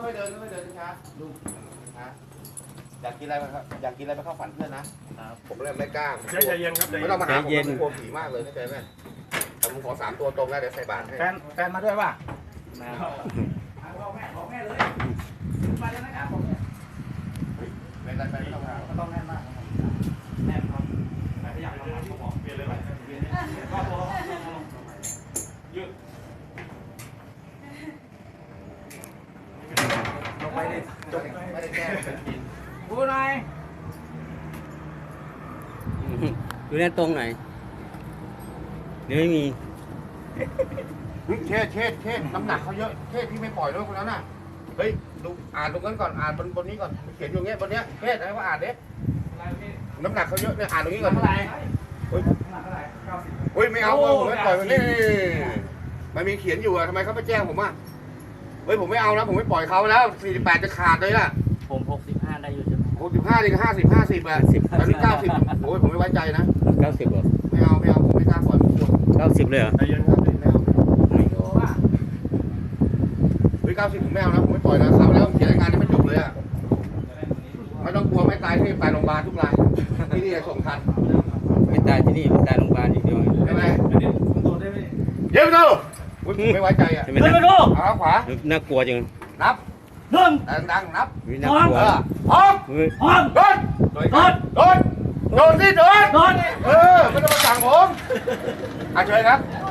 ค่อยๆเดินค่อยๆเดินช้าดูนะอยากกินอะไรครับอยากกินอะไรไปเข้าฝันเพื่อนนะผมเลยไม่กล้าใจเย็นครับไม่ต้องมาหาผมผมกลัวผีมากเลยเข้าใจไหมแต่ผมขอ3 ตัวตรงแล้วเดี๋ยวใส่บาตรให้แฟนมาด้วยป่ะบอกแม่เลยมาเลยนะครับผมเนี่ยเป็นอะไรไม่ต้องมาต้องแน่นมากแน่นครับแต่ถ้าอยากทำก็บอกเปลี่ยนเลยไหมเปลี่ยนก็ตัวยืดลงไปเลยจบไม่ได้แก้กินพูดหน่อยดูแน่ตรงไหนเดี๋ยวไม่มีเทศน้ำหนักเขาเยอะเทศพี่ไม่ปล่อยด้วยคนนั้นน่ะเฮ้ยดูอ่านตรงนั้นก่อนอ่านบนนี้ก่อนเขียนอยู่เงี้ยบนเนี้ยเทศอะไรว่าอ่านเด็น้ำหนักเขาเยอะเนี่ยอ่านตรงนี้ก่อนเท่าไหร่เฮ้ยไม่เอาผมไม่ปล่อยมันนี่มันมีเขียนอยู่อะทำไมเขาไม่แจ้งผมอ่ะเฮ้ยผมไม่เอานะผมไม่ปล่อยเขาแล้ว48จะขาดเลยล่ะผม65ได้อยู่ใช่ไหม 65ดีกับ50อ่ะตอนนี้90โอ้ยผมไม่ไว้ใจนะ 90เหรอไม่เอาผมไม่กล้าปล่อยมันกลัว 90เลยเหรอใจเย็นครับไม่เอาเฮ้ย90ผมไม่เอานะผมไม่ปล่อยนะเขาแล้วเขียนรายงานยังไม่จบเลยอ่ะไม่ต้องกลัวไม่ตายที่ไปโรงพยาบาลทุกรายที่นี่ส่งทันไม่ตายที่นี่ไม่ตายโรงพยาบาลอย่างเดียวใช่ไหมเดี๋ยวดูไม่ไว้ใจอ่ะเดินมาดูขวาน่ากลัวจังนับดังนับน่ากลัวพร้อมโดนโดนสิโดนไม่ต้องมาสั่งผมเชิญครับ